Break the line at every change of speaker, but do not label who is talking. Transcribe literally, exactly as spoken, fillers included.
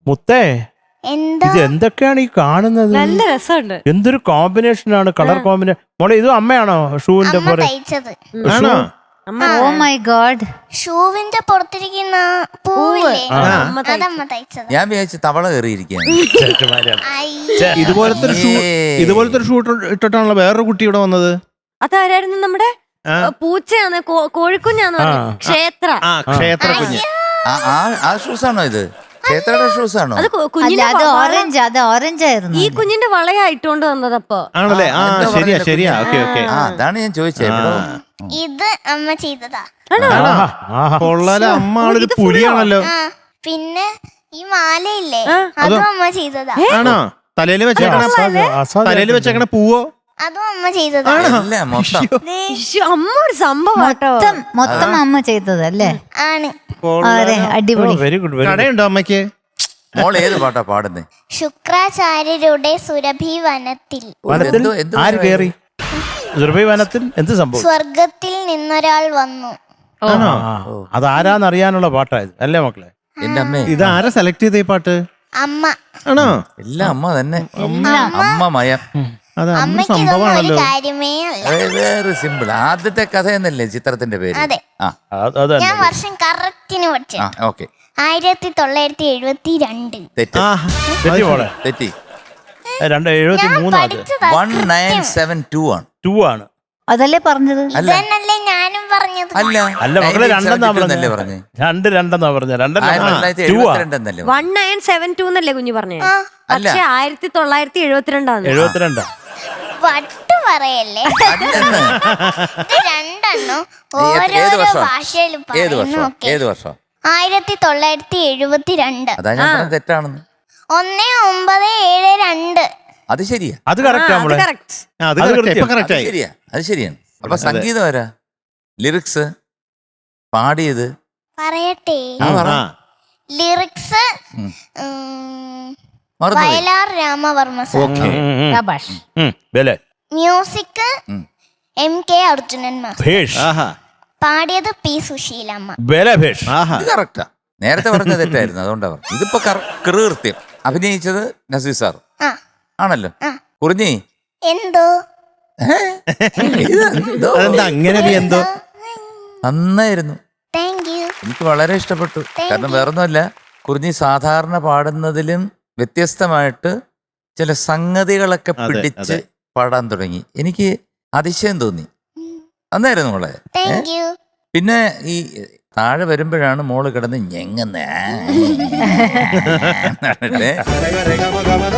മുത്തേ
എന്തോ
ഇത് എന്തൊക്കെയാണ് ഈ കാണുന്നത്?
നല്ല രസമുണ്ട്.
എന്തൊരു കോമ്പിനേഷൻ ആണ്, കളർ കോമ്പിനേഷൻ. മോളെ ഇത് അമ്മയാണോ ഷൂവിന്റെ
അമ്മ
പുറ
തയ്ച്ചത്.
ആണോ?
അമ്മ
ഓ മൈ ഗോഡ്.
ഷൂവിന്റെ പുറത്തിരിക്കുന്ന പൂവില്ലേ,
ആ.
അമ്മ തയ്ച്ചത്.
അതമ്മ തയ്ച്ചത്.
ഞാൻ വിചാരിച്ചു തവള കയറിയിരിക്കുകയാണ്.
അയ്യ.
ഇതുപോലത്തെ ഒരു ഷൂ
ഏയ്.
ഇതുപോലത്തെ ഒരു ഷൂ ഇട്ടിട്ടാണല്ലോ വേറൊരു കുട്ടി ഇവിടെ വന്നത്.
അതാരായിരുന്നു? നമ്മുടെ
ആ.
പൂച്ചയാണ്, കോ- കോഴിക്കുഞ്ഞാന്ന്
ആ.
പറഞ്ഞു. ക്ഷേത്ര.
ആ ക്ഷേത്ര കുഞ്ഞ്.
ആ- ആ- ആ ഷൂസ് ആണോ ഇത്? ക്ഷേത്രയുടെ ഷൂസ് ആണോ?
അത് കു-
അല്ല
കുഞ്ഞിന്റെ
അത്
വള-
ഓറഞ്ച്, അത് ഓറഞ്ച് ആയിരുന്നു.
ഈ കുഞ്ഞിന്റെ വളയാ ഇട്ടോണ്ട് വന്നതപ്പോ.
ആണല്ലേ? ആ
എന്താ
ശരിയാ
പറയുന്നത്
ശരിയാ.
കുഞ്ഞ്?
Okay okay.
ആ അതാണ് ഞാൻ ചോദിച്ചത്. എവിടോ?
ഇത് അമ്മ ചെയ്തതാ.
ആഹാ, ആഹാ.
കൊള്ളാല, അമ്മ ആളൊരു
ഇത് full
പുലിയാണല്ലോ.
ആ പിന്നെ ഈ മാലയില്ലേ,
ആ.
അതും അമ്മ ചെയ്തതാ.
ആണോ? തലയിൽ വെച്ചേക്കണ
അസാധ്യം, അസാധ്യം.
തലയിൽ വെച്ചേക്കണ പൂവോ?
അതും അമ്മ ചെയ്തതാ.
അല്ല മൊത്തം.
ദേ,
ഇശ്ശോ, അമ്മ ഒരു സംഭവം കേട്ടോ.
മൊത്തം മൊത്തം അമ്മ ചെയ്തത് അല്ലേ?
ആണ്.
അതെ, അടിപൊളി.
Very good, very good.
കടയുണ്ടോ അമ്മയ്ക്ക്?
മോൾ ഏത് പാട്ടാ പാടുന്നേ?
ശുക്രാചാര്യരുടെ സുരഭി വനത്തിൽ
വനത്തിൽ
എന്തോ- എന്തോ
ആര് കേറി? സുരഭി വനത്തിൽ എന്ത് സംഭവം?
സ്വർഗത്തിൽ നിന്നൊരാൾ വന്നു.
ആണോ? അതാരാന്നറിയാനുള്ള പാട്ടായത് അല്ലേ മക്കളെ?
എന്റെ അമ്മേ,
ഇത് ആരാ സെലക്ട് ചെയ്ത ഈ പാട്ട്?
അമ്മ.
ആണോ?
എല്ലാം അമ്മ തന്നെ.
എല്ലാം.
അമ്മ മയം.
അത് അമ്മ
അമ്മയ്ക്ക് ഇതൊന്നും ഒരു
സംഭവമാണല്ലോ.
കാര്യമേ അല്ല.
വേറെ സിമ്പിൾ. ആദ്യത്തെ കഥ എന്നല്ലേ ചിത്രത്തിന്റെ പേര്?
അതെ.
ആ
അത് അത്
ഞാൻ
തന്നെ.
വർഷം കറക്റ്റിന് പഠിച്ചു.
ആ ഓക്കെ.
ആയിരത്തി തൊള്ളായിരത്തി എഴുപത്തി രണ്ട്.
തെറ്റ്
ആ,
തെറ്റി മോളെ.
തെറ്റി.
രണ്ട് എഴുപത്തി
ഞാൻ
മൂന്നാണ്.
പഠിച്ചതാ.
വൺ നയൻ സെവൻ ടു ആണ്.
ടു ആണ്.
അതല്ലേ പറഞ്ഞത്?
അല്ല
ഇതന്നല്ലേ ഞാനും പറഞ്ഞത്.
അല്ല
അല്ല മക്കളെ, രണ്ടെന്നാ
എന്നല്ലേ
പറഞ്ഞേ.
പറഞ്ഞേ?
രണ്ട് രണ്ടെന്നാ പറഞ്ഞ.
ആയിരത്തി
രണ്ടെണ്ണ
തൊള്ളായിരത്തി
ടു ആ.
എഴുപത്തിരണ്ട് എന്നല്ലേ?
വൺ നയൻ സെവൻ ടു എന്നല്ലേ കുഞ്ഞു പറഞ്ഞേ?
ആ,
അല്ല.
പക്ഷെ ആയിരത്തി തൊള്ളായിരത്തി എഴുപത്തിരണ്ടാണ്.
എഴുപത്തിരണ്ടാ.
വട്ട് പറയല്ലേ.
അല്ലെന്ന്.
ഇത് രണ്ടെണ്ണം
ഏത്
ഓരോരോ
വർഷം?
ഭാഷയിൽ
ഏത് വർഷം?
പറയുന്നു.
ഏത് വർഷം?
ആയിരത്തി തൊള്ളായിരത്തി എഴുപത്തി രണ്ട്.
അതാ ഞാൻ പറഞ്ഞത് തെറ്റാണെന്ന്.
ഒന്ന് ഒമ്പത് ഏഴ് രണ്ട്.
അത് ശരിയാ.
അത് കറക്റ്റ് നമ്മളെ.
കറക്റ്റ്.
ആ, അത്
അത്
correct.
കൃത്യം.
ഇപ്പൊ correct
അത്
ആയി.
ശരിയാ, അത് ശരിയാണ്. അപ്പൊ സംഗീതം ആരാ? ലിറിക്സ് പാടിയത്?
പറയട്ടെ.
ആ, പറ.
ആ.
ലിറിക്സ്
ഉം.
ഉം,
മറന്നുപോയി.
വയലാർ രാമവർമ്മ സാർ.
ഓക്കെ.
ശബാഷ്.
ബലെ
മ്യൂസിക്
ഉം.
M K Arjunan master.
ഭേഷ്.
ആഹാ.
പാടിയത് പി സുശീലമ്മ.
ബലെ ഭേഷ്.
ആഹാ.
ഇത് കറക്റ്റാ. നേരത്തെ പറഞ്ഞ തെറ്റായിരുന്നു, അതുകൊണ്ടാ പറഞ്ഞു. ഇതിപ്പോ കൃത്യം. അഭിനയിച്ചത് നസീർ സാർ
ആ
ആണല്ലോ.
ആ.
കുറിഞ്ഞി
എന്തോ
ഇതെന്തോ?
അതെന്താ അങ്ങനെ? നീ എന്തോ
നന്നായിരുന്നു.
Thank you.
എനിക്ക് വളരെ ഇഷ്ടപ്പെട്ടു. കാരണം വേറൊന്നുമല്ല, കുറിഞ്ഞി സാധാരണ പാടുന്നതിലും വ്യത്യസ്തമായിട്ട് ചില സംഗതികളൊക്കെ
അതെ,
പിടിച്ച്
അതെ.
പാടാൻ തുടങ്ങി. എനിക്ക് അതിശയം തോന്നി. നന്നായിരുന്നു മോളെ.
Thank you.
പിന്നെ ഈ താഴെ വരുമ്പോഴാണ് മോള് കിടന്ന് ഞെങ്ങുന്നേ.